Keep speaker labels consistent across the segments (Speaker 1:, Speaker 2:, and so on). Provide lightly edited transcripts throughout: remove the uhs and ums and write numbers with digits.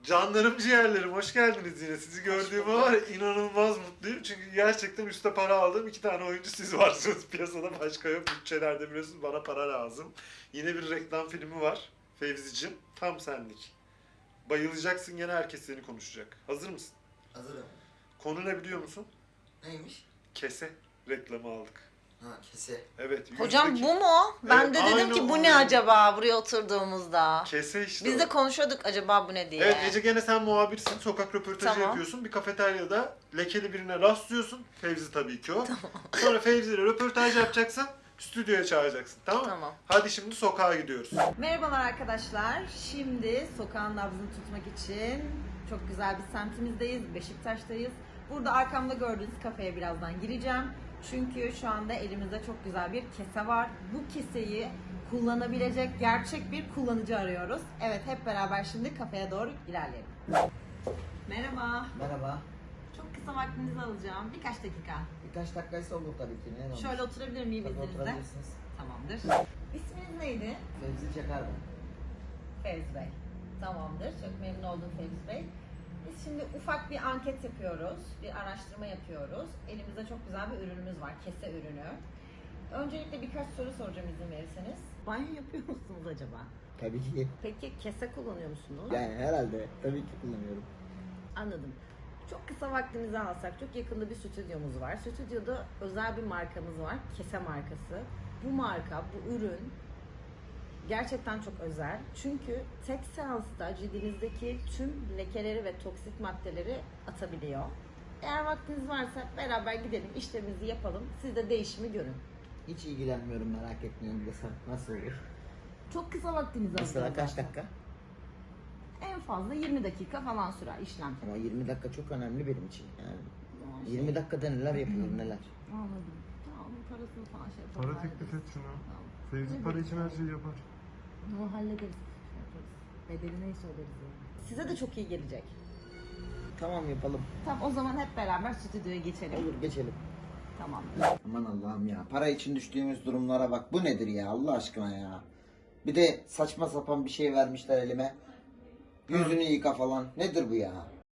Speaker 1: Canlarım ciğerlerim hoş geldiniz yine. Sizi gördüğüme var ya, inanılmaz mutluyum. Çünkü gerçekten üstte para aldığım 2 tane oyuncu siz varsınız. Piyasada başka yok. Bütçelerde biliyorsunuz bana para lazım. Yine bir reklam filmi var. Fevzi'cim tam senlik. Bayılacaksın, gene herkes seni konuşacak. Hazır mısın?
Speaker 2: Hazırım.
Speaker 1: Konu ne biliyor musun?
Speaker 2: Neymiş?
Speaker 1: Kese reklamı aldık.
Speaker 2: Ha, kese.
Speaker 1: Evet.
Speaker 3: Hocam bu mu? Ben
Speaker 1: Evet,
Speaker 3: de dedim
Speaker 1: aynen
Speaker 3: ki bu
Speaker 1: o.
Speaker 3: ne acaba buraya oturduğumuzda?
Speaker 1: Kese işte
Speaker 3: Biz
Speaker 1: o.
Speaker 3: de konuşuyorduk acaba bu ne diye.
Speaker 1: Evet Ece, gene sen muhabirsin, sokak röportajı
Speaker 3: Tamam.
Speaker 1: yapıyorsun. Bir kafeteryada lekeli birine rastlıyorsun. Fevzi tabii ki o. Sonra Fevzi ile röportaj yapacaksın. Stüdyoya çağıracaksın, tamam mı?
Speaker 3: Tamam.
Speaker 1: Hadi şimdi sokağa gidiyoruz.
Speaker 3: Merhabalar arkadaşlar. Şimdi sokağın nabzını tutmak için çok güzel bir semtimizdeyiz. Beşiktaş'tayız. Burada arkamda gördüğünüz kafeye birazdan gireceğim. Çünkü şu anda elimizde çok güzel bir kese var. Bu keseyi kullanabilecek gerçek bir kullanıcı arıyoruz. Evet, hep beraber şimdi kafeye doğru ilerleyelim. Merhaba.
Speaker 2: Merhaba.
Speaker 3: Çok kısa vaktinizi alacağım. Birkaç dakika.
Speaker 2: Birkaç dakikaysa olur tabii ki. Ne olmuş?
Speaker 3: Şöyle oturabilir miyim
Speaker 2: Tabii
Speaker 3: izninizle?
Speaker 2: oturabilirsiniz.
Speaker 3: Tamamdır. İsminiz neydi?
Speaker 2: Fevzi Çakar ben.
Speaker 3: Fevzi Bey. Tamamdır. Çok memnun oldum Fevzi Bey. Biz şimdi ufak bir anket yapıyoruz. Bir araştırma yapıyoruz. Elimizde çok güzel bir ürünümüz var. Kese ürünü. Öncelikle birkaç soru soracağım izin verirseniz. Banyo yapıyor musunuz acaba?
Speaker 2: Tabii ki.
Speaker 3: Peki kese kullanıyor musunuz?
Speaker 2: Yani herhalde. Tabii ki kullanıyorum.
Speaker 3: Anladım. Çok kısa vaktimizi alsak, çok yakında bir stüdyomuz var. Stüdyoda özel bir markamız var. Kese markası. Bu marka, bu ürün gerçekten çok özel. Çünkü tek seansta cildinizdeki tüm lekeleri ve toksik maddeleri atabiliyor. Eğer vaktiniz varsa beraber gidelim, işlemimizi yapalım. Siz de değişimi görün.
Speaker 2: Hiç ilgilenmiyorum, merak etmiyorum desem. Nasıl olur?
Speaker 3: Çok kısa vaktinizi
Speaker 2: Mesela
Speaker 3: alacak.
Speaker 2: kaç dakika?
Speaker 3: En fazla 20 dakika falan sürer işlem.
Speaker 2: Ama 20 dakika çok önemli benim için. Yani
Speaker 3: Tamam,
Speaker 2: 20 dakikada neler yapılır neler.
Speaker 3: Anladım. Tamam, parasını falan şey
Speaker 4: Para
Speaker 3: yapalım.
Speaker 4: teklif et şuna.
Speaker 3: Tamam.
Speaker 4: Fevzi para için her şeyi yapar.
Speaker 3: Onu hallederiz. Şey yaparız. Bedeli neyse öderiz yani. Size de çok iyi gelecek.
Speaker 2: Tamam yapalım.
Speaker 3: Tamam, o zaman hep beraber stüdyoya geçelim.
Speaker 2: Olur geçelim.
Speaker 3: Tamam.
Speaker 2: Aman Allah'ım ya. Para için düştüğümüz durumlara bak. Bu nedir ya Allah aşkına ya. Bir de saçma sapan bir şey vermişler elime. Yüzünü yıka falan. Nedir bu ya?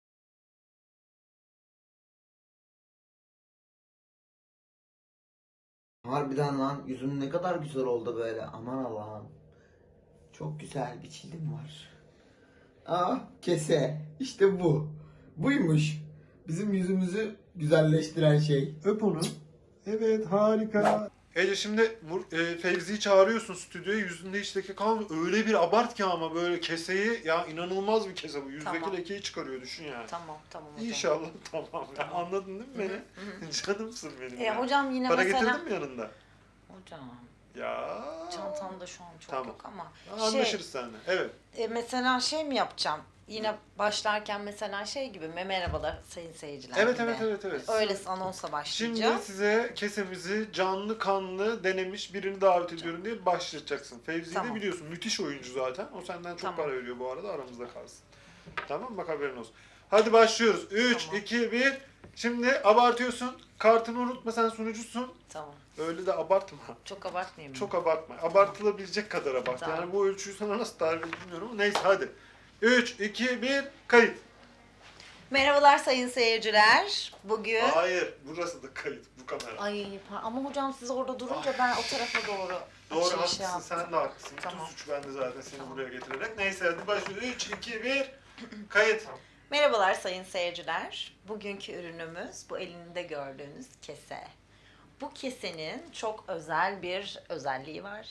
Speaker 2: Harbiden lan yüzüm ne kadar güzel oldu böyle. Aman Allah'ım. Çok güzel bir cildim var. Aa kese. İşte bu. Buymuş. Bizim yüzümüzü güzelleştiren şey.
Speaker 4: Öp onu. Evet harika.
Speaker 1: Ece şimdi Fevzi'yi çağırıyorsun stüdyoya, yüzünde hiç leke kalmıyor. Öyle bir abart ki ama böyle keseyi, ya inanılmaz bir kese bu. Yüzdeki
Speaker 3: Tamam.
Speaker 1: lekeyi çıkarıyor, düşün yani.
Speaker 3: Tamam hocam.
Speaker 1: İnşallah tamam. Ya, anladın değil mi beni? Canımsın benim ya.
Speaker 3: Hocam yine
Speaker 1: Para
Speaker 3: mesela...
Speaker 1: getirdin mi yanında?
Speaker 3: Hocam,
Speaker 1: Ya.
Speaker 3: çantamda şu an çok
Speaker 1: Tamam.
Speaker 3: yok ama...
Speaker 1: Anlaşırız seninle. Evet.
Speaker 3: Mesela şey mi yapacağım? Yine başlarken mesela şey gibi mi? Merhabalar sayın seyirciler
Speaker 1: Evet,
Speaker 3: gibi.
Speaker 1: evet.
Speaker 3: Öyle anonsa başlayacağım.
Speaker 1: Şimdi size kesemizi canlı kanlı denemiş birini davet ediyorum diye başlayacaksın. Fevzi'yi de
Speaker 3: Tamam.
Speaker 1: biliyorsun, müthiş oyuncu zaten. O senden çok
Speaker 3: Tamam.
Speaker 1: para veriyor bu arada, aramızda kalsın. Tamam, bak haberin olsun. Hadi başlıyoruz. 3,
Speaker 3: Tamam.
Speaker 1: 2, 1. Şimdi abartıyorsun. Kartını unutma, sen sunucusun.
Speaker 3: Tamam.
Speaker 1: Öyle de abartma.
Speaker 3: Çok abartmayayım mı?
Speaker 1: Çok abartma. Abartılabilecek kadar abart.
Speaker 3: Tamam.
Speaker 1: Yani bu ölçüyü sana nasıl tarif edeyim bilmiyorum ama neyse hadi. 3, 2, 1, kayıt.
Speaker 3: Merhabalar sayın seyirciler. Bugün...
Speaker 1: Hayır, burası da kayıt, bu kamera.
Speaker 3: Ama hocam siz orada durunca ben o tarafa doğru
Speaker 1: Doğru,
Speaker 3: açılış
Speaker 1: haklısın,
Speaker 3: yaptım.
Speaker 1: sen de haklısın.
Speaker 3: Tamam.
Speaker 1: Bütün suç bende zaten seni
Speaker 3: Tamam.
Speaker 1: buraya getirerek. Neyse hadi başlıyoruz. 3, 2, 1, kayıt.
Speaker 3: Merhabalar sayın seyirciler. Bugünkü ürünümüz bu elinde gördüğünüz kese. Bu kesenin çok özel bir özelliği var.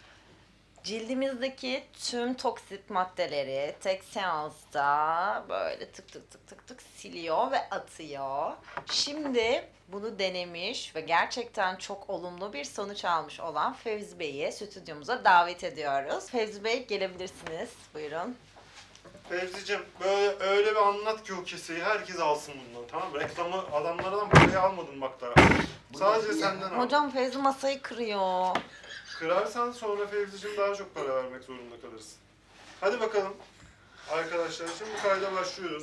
Speaker 3: Cildimizdeki tüm toksik maddeleri tek seansta böyle tık tık tık tık tık siliyor ve atıyor. Şimdi bunu denemiş ve gerçekten çok olumlu bir sonuç almış olan Fevzi Bey'i stüdyomuza davet ediyoruz. Fevzi Bey gelebilirsiniz. Buyurun.
Speaker 1: Fevzi'cim böyle öyle bir anlat ki o keseyi herkes alsın bundan, tamam mı? Reklamı adamlardan parayı almadın bak daha. Sadece senden al.
Speaker 3: Hocam Fevzi masayı kırıyor.
Speaker 1: Kırarsan sonra Fevzi'cim daha çok para vermek zorunda kalırsın. Hadi bakalım arkadaşlar, şimdi kayda başlıyoruz.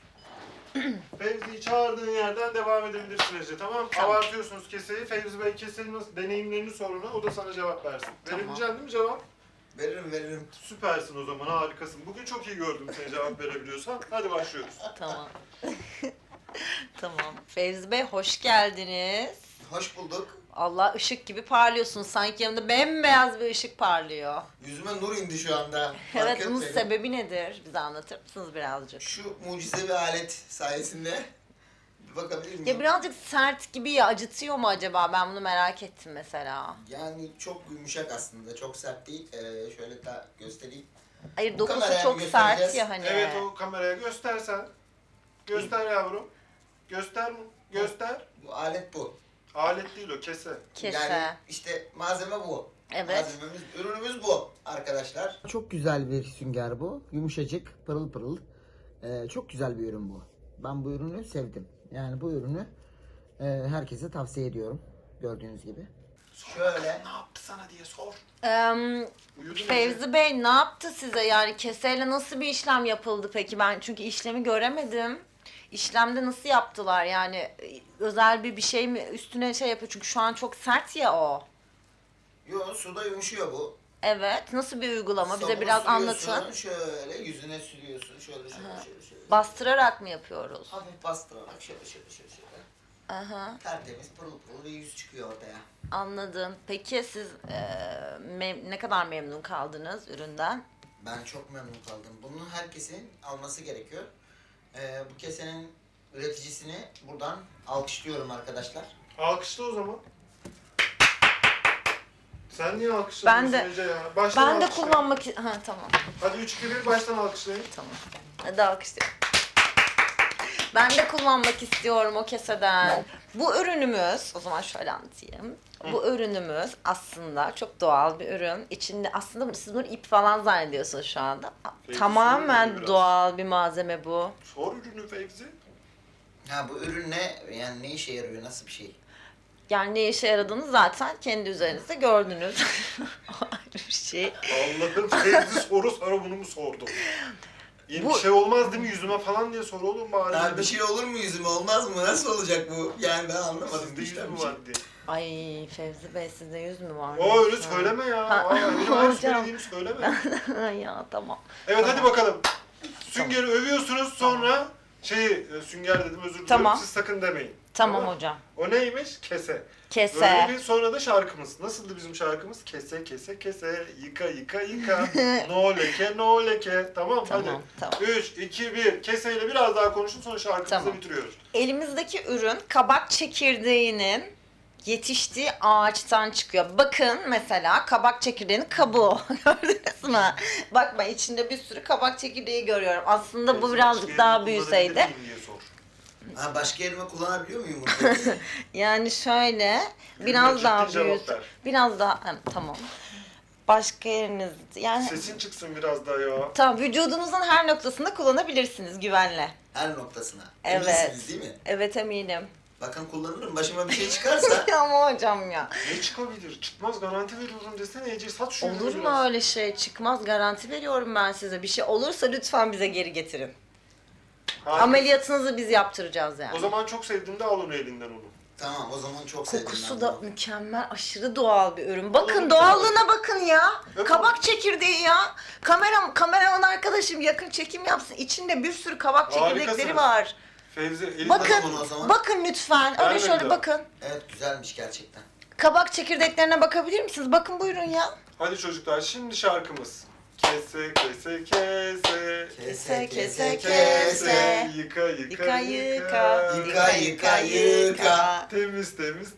Speaker 1: Fevzi'yi çağırdığın yerden devam edebilirsin Ece, tamam?
Speaker 3: Tamam.
Speaker 1: Abartıyorsunuz keseyi. Fevzi Bey keseyi nasıl deneyimlerini soruna, o da sana cevap versin.
Speaker 3: Tamam.
Speaker 1: Verebileceksin değil mi cevap?
Speaker 2: Veririm.
Speaker 1: Süpersin o zaman, harikasın. Bugün çok iyi gördüm seni, cevap verebiliyorsan. Hadi başlıyoruz.
Speaker 3: Tamam. Tamam. Fevzi Bey hoş geldiniz.
Speaker 2: Hoş bulduk.
Speaker 3: Allah, ışık gibi parlıyorsunuz. Sanki yanımda bembeyaz bir ışık parlıyor.
Speaker 2: Yüzüme nur indi şu anda.
Speaker 3: Evet,
Speaker 2: Fark
Speaker 3: bunun
Speaker 2: etmedim.
Speaker 3: sebebi nedir? Bize anlatır mısınız birazcık?
Speaker 2: Şu mucizevi alet sayesinde bir bakabilir miyim?
Speaker 3: Ya birazcık sert gibi ya, acıtıyor mu acaba? Ben bunu merak ettim mesela.
Speaker 2: Yani çok yumuşak aslında. Çok sert değil. Şöyle da göstereyim.
Speaker 3: Hayır,
Speaker 2: Bu
Speaker 3: dokusu
Speaker 2: kameraya
Speaker 3: çok
Speaker 2: mı
Speaker 3: sert
Speaker 2: göstereceğiz?
Speaker 3: ya hani.
Speaker 1: Evet, o kameraya göstersen. Göster yavrum. Göster.
Speaker 2: Bu alet bu.
Speaker 1: Alet değil o, kese.
Speaker 3: Kese.
Speaker 2: Yani işte malzeme bu.
Speaker 3: Evet.
Speaker 2: Malzememiz, ürünümüz bu arkadaşlar. Çok güzel bir sünger bu. Yumuşacık, pırıl pırıl. Çok güzel bir ürün bu. Ben bu ürünü sevdim. Yani bu ürünü herkese tavsiye ediyorum. Gördüğünüz gibi. Şöyle.
Speaker 1: Ne yaptı sana diye sor. Uyudu mu?
Speaker 3: Fevzi Bey ne yaptı size? Yani keseyle nasıl bir işlem yapıldı peki? Ben çünkü işlemi göremedim. İşlemde nasıl yaptılar? Yani özel bir şey mi üstüne şey yapıyor? Çünkü şu an çok sert ya o.
Speaker 2: Yo, suda yumuşuyor bu.
Speaker 3: Evet. Nasıl bir uygulama? Bize
Speaker 2: Sabunu
Speaker 3: biraz
Speaker 2: sürüyorsun,
Speaker 3: anlatın.
Speaker 2: Şöyle yüzüne sürüyorsun. Şöyle.
Speaker 3: Bastırarak mı yapıyoruz?
Speaker 2: Hafif bastırarak şöyle.
Speaker 3: Aha,
Speaker 2: Tertemiz pırıl pırıl bir yüz çıkıyor ortaya.
Speaker 3: anladım. Peki siz ne kadar memnun kaldınız üründen?
Speaker 2: Ben çok memnun kaldım. Bunu herkesin alması gerekiyor. Bu kesenin üreticisini buradan alkışlıyorum arkadaşlar.
Speaker 1: Alkışla o zaman. Sen niye alkışladın
Speaker 3: Ben de-
Speaker 1: Ece ya? Baştan
Speaker 3: Ben de
Speaker 1: alkışla.
Speaker 3: kullanmak... Ha, tamam.
Speaker 1: Hadi 3-2-1 baştan alkışlayın.
Speaker 3: Tamam. Hadi alkışlıyorum. Ben de kullanmak istiyorum o keseden. Bu ürünümüz, o zaman şöyle anlatayım. Bu ürünümüz aslında çok doğal bir ürün. İçinde aslında siz bunu ip falan zannediyorsunuz şu anda.
Speaker 1: Peki,
Speaker 3: Tamamen
Speaker 1: söyle biraz.
Speaker 3: doğal bir malzeme bu.
Speaker 1: Sor ürünü Fevzi.
Speaker 2: Ha, bu ürün ne? Yani ne işe yarıyor? Nasıl bir şey?
Speaker 3: Yani ne işe yaradığını zaten kendi üzerinizde gördünüz. Ayrı bir şey.
Speaker 1: Allah'ım, Fevzi soru sonra bunu mu sordu? Yeni
Speaker 3: Bu-
Speaker 1: bir şey olmaz değil mi yüzüme falan diye sor oğlum bari.
Speaker 2: Ha, bir şey olur mu yüzüme? Olmaz mı? Nasıl olacak bu? Yani ben anlamadım.
Speaker 1: Sizde
Speaker 2: işte
Speaker 1: yüzü mü
Speaker 2: bir şey.
Speaker 1: var diye.
Speaker 3: Ay Fevzi Bey, sizde yüz mü var?
Speaker 1: O öyle söyleme ya.
Speaker 3: Ha,
Speaker 1: Aa, benim her
Speaker 3: hocam.
Speaker 1: söylediğimi söyleme.
Speaker 3: Ya tamam.
Speaker 1: Evet, hadi bakalım. Sünger'i övüyorsunuz, sonra sünger dedim, özür dilerim.
Speaker 3: Tamam.
Speaker 1: Siz sakın demeyin.
Speaker 3: Tamam hocam.
Speaker 1: O neymiş? Kese.
Speaker 3: Kese.
Speaker 1: Böyle bir sonra da şarkımız. Nasıldı bizim şarkımız? Kese, yıka, yıka. No leke, no leke. Tamam,
Speaker 3: Tamam,
Speaker 1: hadi.
Speaker 3: tamam.
Speaker 1: 3, 2, 1. Keseyle biraz daha konuşun, sonra şarkımızı
Speaker 3: Tamam.
Speaker 1: bitiriyoruz.
Speaker 3: Elimizdeki ürün kabak çekirdeğinin yetiştiği ağaçtan çıkıyor. Bakın mesela kabak çekirdeğinin kabuğu. Gördünüz mü? Bak, ben içinde bir sürü kabak çekirdeği görüyorum. Aslında bu
Speaker 1: Fevzi,
Speaker 3: birazcık
Speaker 1: başka
Speaker 3: daha
Speaker 1: yerini
Speaker 3: büyüseydi.
Speaker 1: kullanabilir miyim diye sor.
Speaker 2: Ha, başka elime kullanabiliyor muyum bunu?
Speaker 3: Yani şöyle biraz
Speaker 1: ciddi
Speaker 3: daha
Speaker 1: cevap
Speaker 3: büyüt.
Speaker 1: ver.
Speaker 3: Biraz daha tamam. Başka yeriniz yani
Speaker 1: Sesin çıksın biraz daha ya.
Speaker 3: tamam, vücudunuzun her noktasında kullanabilirsiniz güvenle.
Speaker 2: Her noktasına.
Speaker 3: Evet.
Speaker 2: Eminsiniz değil mi?
Speaker 3: Evet, eminim.
Speaker 2: Bakın kullanırım. Başıma bir şey çıkarsa.
Speaker 3: Ama hocam ya.
Speaker 1: Ne çıkabilir? Çıkmaz, garanti veriyorum desene Ece, sat şu ürünü
Speaker 3: Olur mu
Speaker 1: biraz.
Speaker 3: öyle şey? Çıkmaz, garanti veriyorum ben size. Bir şey olursa lütfen bize geri getirin.
Speaker 1: Harika.
Speaker 3: Ameliyatınızı biz yaptıracağız yani.
Speaker 1: O zaman çok sevdiğimde al onu elinden onu.
Speaker 2: Tamam, o zaman çok sevdim
Speaker 3: Kokusu
Speaker 2: ben
Speaker 3: da
Speaker 2: bunu.
Speaker 3: mükemmel, aşırı doğal bir ürün. Bakın
Speaker 1: Oğlum,
Speaker 3: doğallığına bakın ya.
Speaker 1: Öp
Speaker 3: Kabak çekirdeği ya. Kameraman arkadaşım yakın çekim yapsın. İçinde bir sürü kabak çekirdekleri
Speaker 1: Harikasınız.
Speaker 3: var.
Speaker 1: Fevzi elinden
Speaker 3: Bakın,
Speaker 2: onu o zaman.
Speaker 3: bakın lütfen. Öyle
Speaker 1: Ver
Speaker 3: şöyle
Speaker 1: beni de.
Speaker 3: bakın.
Speaker 2: Evet, güzelmiş gerçekten.
Speaker 3: Kabak çekirdeklerine bakabilir misiniz? Bakın buyurun ya.
Speaker 1: Hadi çocuklar, şimdi şarkımız. Kese.
Speaker 3: Kese, kese,
Speaker 1: Kese. Yıka.
Speaker 3: Yıka yıka.
Speaker 2: Yıka, yıka.
Speaker 1: Temiz.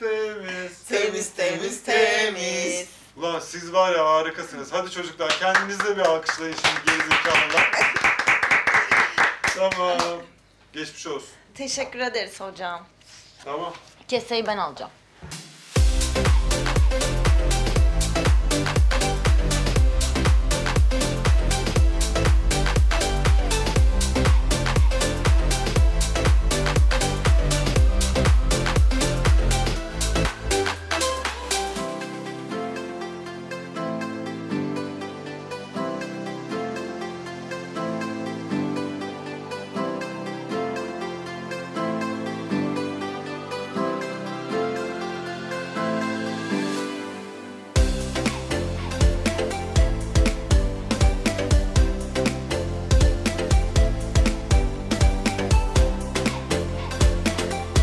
Speaker 2: Temiz.
Speaker 1: Ulan siz var ya, harikasınız. Hadi çocuklar, kendinize bir alkışlayın şimdi, gerizekalılar. Tamam. Geçmiş olsun.
Speaker 3: Teşekkür ederiz hocam.
Speaker 1: Tamam.
Speaker 3: Keseyi ben alacağım.